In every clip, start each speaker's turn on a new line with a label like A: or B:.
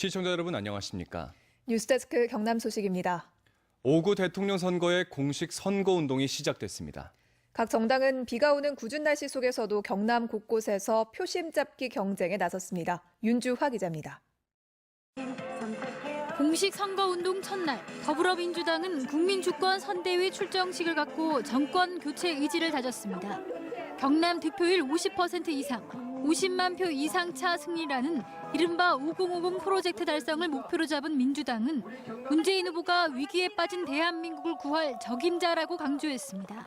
A: 시청자 여러분 안녕하십니까?
B: 뉴스데스크 경남 소식입니다.
A: 5구 대통령 선거의 공식 선거운동이 시작됐습니다.
B: 각 정당은 비가 오는 궂은 날씨 속에서도 경남 곳곳에서 표심 잡기 경쟁에 나섰습니다. 윤주화 기자입니다.
C: 공식 선거운동 첫날, 더불어민주당은 국민주권 선대위 출정식을 갖고 정권 교체 의지를 다졌습니다. 경남 득표율 50% 이상, 50만 표 이상 차 승리라는 이른바 5050 프로젝트 달성을 목표로 잡은 민주당은 문재인 후보가 위기에 빠진 대한민국을 구할 적임자라고 강조했습니다.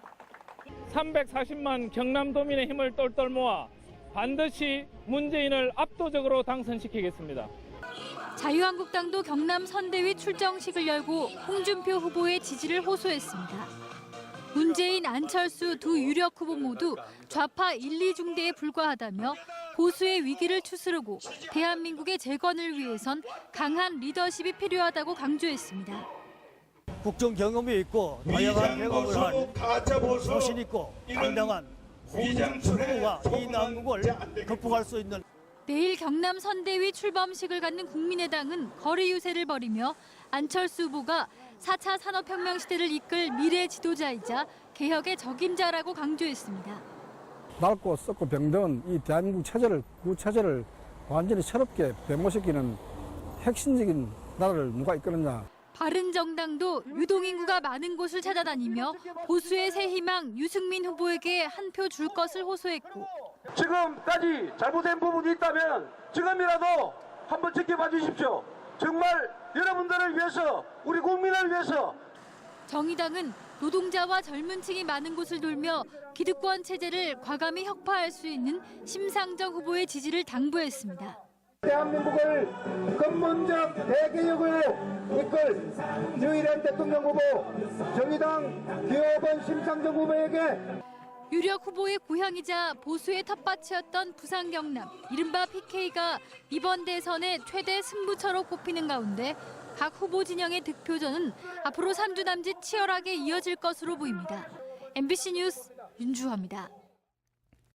D: 340만 경남도민의 힘을 똘똘 모아 반드시 문재인을 압도적으로 당선시키겠습니다.
C: 자유한국당도 경남 선대위 출정식을 열고 홍준표 후보의 지지를 호소했습니다. 문재인, 안철수 두 유력 후보 모두 좌파 1, 2중대에 불과하다며 보수의 위기를 추스르고 대한민국의 재건을 위해선 강한 리더십이 필요하다고 강조했습니다.
E: 국정 경험이 있고 다양한 경험을 한 소신 있고 당당한 홍준표 후보가 이 난국을 극복할 수 있는.
C: 내일 경남 선대위 출범식을 갖는 국민의당은 거리 유세를 벌이며 안철수 후보가 4차 산업혁명 시대를 이끌 미래 지도자이자 개혁의 적임자라고 강조했습니다.
F: 낡고 썩고 병든 이 대한민국 체제를, 그 체제를 완전히 새롭게 변모시키는 핵심적인 나라를 누가 이끄느냐.
C: 바른정당도 유동인구가 많은 곳을 찾아다니며 보수의 새 희망 유승민 후보에게 한 표 줄 것을 호소했고,
G: 지금까지 잘못된 부분이 있다면 지금이라도 한번 지켜봐 주십시오. 정말 여러분들을 위해서, 우리 국민을 위해서.
C: 정의당은 노동자와 젊은 층이 많은 곳을 돌며 기득권 체제를 과감히 혁파할 수 있는 심상정 후보의 지지를 당부했습니다.
G: 대한민국을 근본적 대개혁을 이끌 유일한 대통령 후보 정의당 기호번 심상정 후보에게
C: 유력 후보의 고향이자 보수의 텃밭이었던 부산 경남, 이른바 PK가 이번 대선의 최대 승부처로 꼽히는 가운데 각 후보 진영의 득표전은 앞으로 3주 남짓 치열하게 이어질 것으로 보입니다. MBC 뉴스 윤주화입니다.